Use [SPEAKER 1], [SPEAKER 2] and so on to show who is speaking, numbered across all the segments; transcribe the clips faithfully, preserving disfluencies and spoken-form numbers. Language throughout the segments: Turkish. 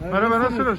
[SPEAKER 1] Merhaba, nasılsınız?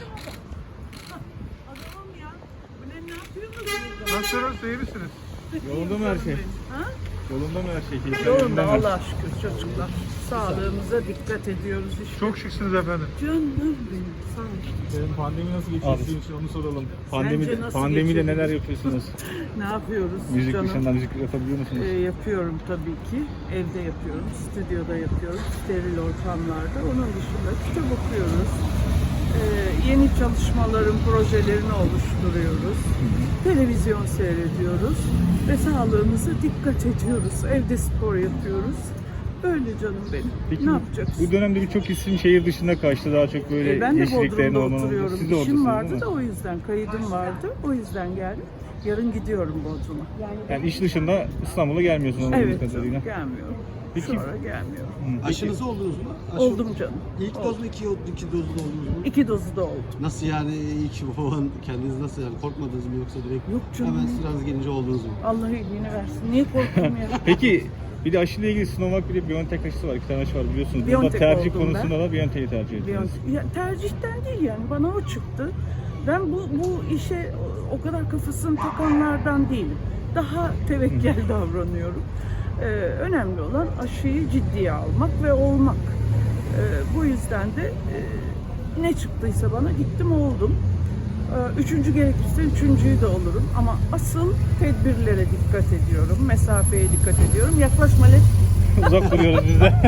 [SPEAKER 2] Adamım ya. Bu ne, ne yapıyorsunuz?
[SPEAKER 1] Nasılsınız, iyi misiniz?
[SPEAKER 3] Yolunda mı her şey?
[SPEAKER 2] Ha?
[SPEAKER 3] Yolunda mı her şey? Keyifler
[SPEAKER 2] Yolunda
[SPEAKER 3] yerinde mi?
[SPEAKER 2] Allah'a şükür çocuklar. Sağlığımıza dikkat ediyoruz işte.
[SPEAKER 1] Çok şıksınız efendim.
[SPEAKER 2] Canım benim, sağ ol.
[SPEAKER 3] Senin pandemi nasıl geçiyor sizin için onu soralım. Pandemi,
[SPEAKER 2] Sence nasıl
[SPEAKER 3] pandemide
[SPEAKER 2] geçiyor?
[SPEAKER 3] neler yapıyorsunuz?
[SPEAKER 2] Ne yapıyoruz
[SPEAKER 3] Müzik
[SPEAKER 2] canım?
[SPEAKER 3] dışında müzik yapabiliyor musunuz?
[SPEAKER 2] Ee, yapıyorum tabii ki. Evde yapıyorum, stüdyoda yapıyorum, steril ortamlarda. Onun dışında kitap okuyoruz. Ee, yeni çalışmaların projelerini oluşturuyoruz. Televizyon seyrediyoruz ve sağlığımıza dikkat ediyoruz. Evde spor yapıyoruz. Böyle canım benim.
[SPEAKER 3] Peki,
[SPEAKER 2] ne yapacaksın?
[SPEAKER 3] Bu dönemde birçok isim şehir dışında kaçtı. Daha çok böyle
[SPEAKER 2] Ee, ben de
[SPEAKER 3] yeşilliklerin
[SPEAKER 2] Bodrum'da
[SPEAKER 3] olmanın.
[SPEAKER 2] oturuyorum.
[SPEAKER 3] Siz de
[SPEAKER 2] İşim
[SPEAKER 3] oradasınız
[SPEAKER 2] vardı
[SPEAKER 3] değil
[SPEAKER 2] da
[SPEAKER 3] mi?
[SPEAKER 2] o yüzden. Kayıdım vardı. O yüzden geldim. Yarın gidiyorum Bodrum'a.
[SPEAKER 3] Yani iş dışında İstanbul'a gelmiyorsunuz anladığım
[SPEAKER 2] Evet,
[SPEAKER 3] kadarıyla.
[SPEAKER 2] gelmiyorum.
[SPEAKER 3] Peki-
[SPEAKER 2] Sonra gelmiyorum.
[SPEAKER 3] Hı, peki.
[SPEAKER 4] Aşınızı oldunuz mu? Aşı-
[SPEAKER 2] Oldum canım.
[SPEAKER 4] İlk
[SPEAKER 2] Oldum.
[SPEAKER 4] doz mu iki, iki dozlu da oldunuz mu?
[SPEAKER 2] İki dozu da oldu.
[SPEAKER 4] Nasıl yani ilk falan kendiniz nasıl yani korkmadınız mı yoksa direkt
[SPEAKER 2] Yok canım.
[SPEAKER 4] hemen sıranız gelince oldunuz mu?
[SPEAKER 2] Allah iyiliğini versin. Niye korktum ya?
[SPEAKER 3] Peki bir de aşıyla ilgili Sinovac bir de BioNTech aşısı var. İki tane aşı var biliyorsunuz. Burada
[SPEAKER 2] BioNTech
[SPEAKER 3] tercih
[SPEAKER 2] oldum
[SPEAKER 3] konusunda da BioNTech'i tercih ediyoruz.
[SPEAKER 2] Bir- ya, tercihten değil yani. Bana o çıktı. Ben bu, bu işe o kadar kafasını takanlardan değilim. Daha tevekkel davranıyorum. Ee, önemli olan aşıyı ciddiye almak ve olmak. Ee, bu yüzden de e, ne çıktıysa bana gittim oldum. Ee, Üçüncü gerekirse üçüncüyü de olurum. Ama asıl tedbirlere dikkat ediyorum. Mesafeye dikkat ediyorum. Yaklaşma Lef.
[SPEAKER 3] Uzak duruyoruz biz de.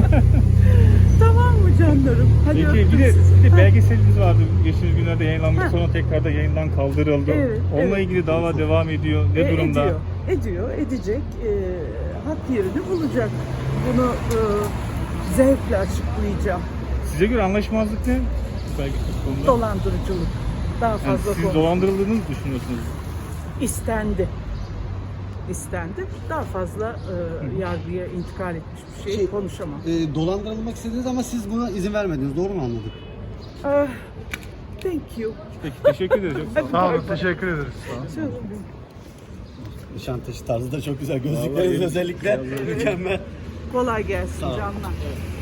[SPEAKER 2] Tamam mı canlarım? Hadi
[SPEAKER 3] Peki
[SPEAKER 2] öptüm
[SPEAKER 3] bir de,
[SPEAKER 2] sizi.
[SPEAKER 3] bir de
[SPEAKER 2] Ha.
[SPEAKER 3] belgeseliniz vardı. Geçtiğimiz günlerde yayınlanmış
[SPEAKER 2] Ha.
[SPEAKER 3] sonra tekrar da yayından kaldırıldı.
[SPEAKER 2] Evet,
[SPEAKER 3] Onunla
[SPEAKER 2] evet.
[SPEAKER 3] ilgili dava devam ediyor. Ne
[SPEAKER 2] E,
[SPEAKER 3] durumda?
[SPEAKER 2] Ediyor, ediyor, edecek. E, hak yerini bulacak. Bunu e, zevkle açıklayacağım.
[SPEAKER 3] Size göre anlaşmazlık ne? Belgesel konuda.
[SPEAKER 2] Dolandırıcılık. Daha
[SPEAKER 3] Yani
[SPEAKER 2] fazla
[SPEAKER 3] siz
[SPEAKER 2] konu.
[SPEAKER 3] dolandırıldığını mı düşünüyorsunuz?
[SPEAKER 2] İstendi. İstendi. Daha fazla e, yargıya intikal etmiş bir şey,
[SPEAKER 4] Şey,
[SPEAKER 2] konuşamam.
[SPEAKER 4] E, dolandırılmak istediniz ama siz buna izin vermediniz. Doğru mu anladım?
[SPEAKER 2] Ah, thank you.
[SPEAKER 3] Peki teşekkür ederiz. Çok sağ olun.
[SPEAKER 1] Sağ olun, teşekkür ederiz.
[SPEAKER 2] Canım.
[SPEAKER 4] Nişantaşı tarzı da çok güzel gözlükleriniz
[SPEAKER 3] Vallahi-
[SPEAKER 4] özellikle mükemmel.
[SPEAKER 2] Kolay gelsin
[SPEAKER 4] Sağ ol.
[SPEAKER 2] canlar.